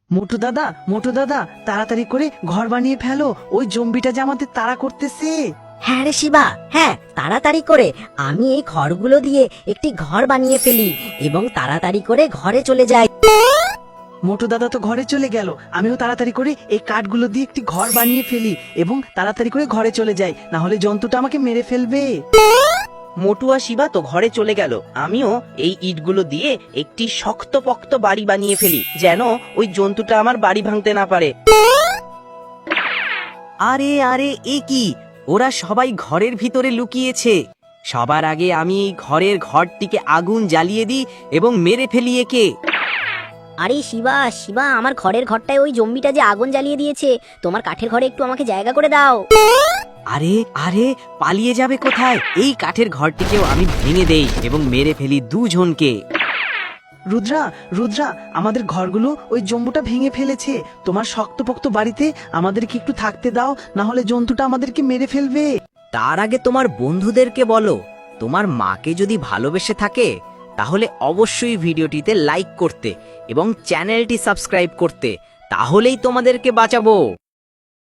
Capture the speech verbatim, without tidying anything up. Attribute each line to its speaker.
Speaker 1: মোটু দাদা মোটু দাদা তাড়াতাড়ি করে ঘর বানিয়ে ফেলো, ওই জম্বিটা যে আমাদের তাড়া করতেছে।
Speaker 2: হ্যাঁ রে শিবা, হ্যাঁ তাড়াতাড়ি করে আমি এই খড়গুলো দিয়ে একটি ঘর বানিয়ে ফেলি এবং তাড়াতাড়ি করে ঘরে চলে যাই।
Speaker 1: মোটু দাদা তো ঘরে চলে গেল, আমিও তাড়াতাড়ি করে এই কাঠগুলো দিয়ে একটি ঘর বানিয়ে ফেলি এবং তাড়াতাড়ি করে ঘরে চলে যাই, না হলে জন্তুটা আমাকে মেরে ফেলবে।
Speaker 3: মোটু আর শিবা তো ঘরে চলে গেল। আমিও এই ইটগুলো দিয়ে একটি শক্তপোক্ত বাড়ি বানিয়ে ফেলি, যেন ওই জন্তুটা আমার বাড়ি ভাঙতে না পারে।
Speaker 4: আরে আরে এ কি, ওরা সবাই ঘরের ভিতরে লুকিয়েছে। সবার আগে আমি এই ঘরের ঘরটিকে আগুন জ্বালিয়ে দিই এবং মেরে ফেলি একে।
Speaker 2: আরে শিবা শিবা, আমার ঘরের ঘরটায় ওই জম্বিটা যে আগুন জ্বালিয়ে দিয়েছে, তোমার কাঠের ঘরে একটু আমাকে জায়গা করে দাও।
Speaker 4: আরে আরে পালিয়ে যাবে কোথায়? এই কাঠের ঘরটিকেও আমি ভেঙে দেই এবং মেরে ফেলি দুজনকে।
Speaker 1: রুদ্রা রুদ্রা আমাদের ঘরগুলো ওই জম্বুটা ভেঙে ফেলেছে, তোমার শক্তপোক্ত বাড়িতে আমাদেরকে একটু থাকতে দাও, না হলে জন্তুটা আমাদেরকে মেরে ফেলবে।
Speaker 4: তার আগে তোমার বন্ধুদেরকে বলো, তোমার মাকে যদি ভালোবেসে থাকে তাহলে অবশ্যই ভিডিওটিতে লাইক করতে এবং চ্যানেলটি সাবস্ক্রাইব করতে, তাহলেই তোমাদেরকে বাঁচাবো।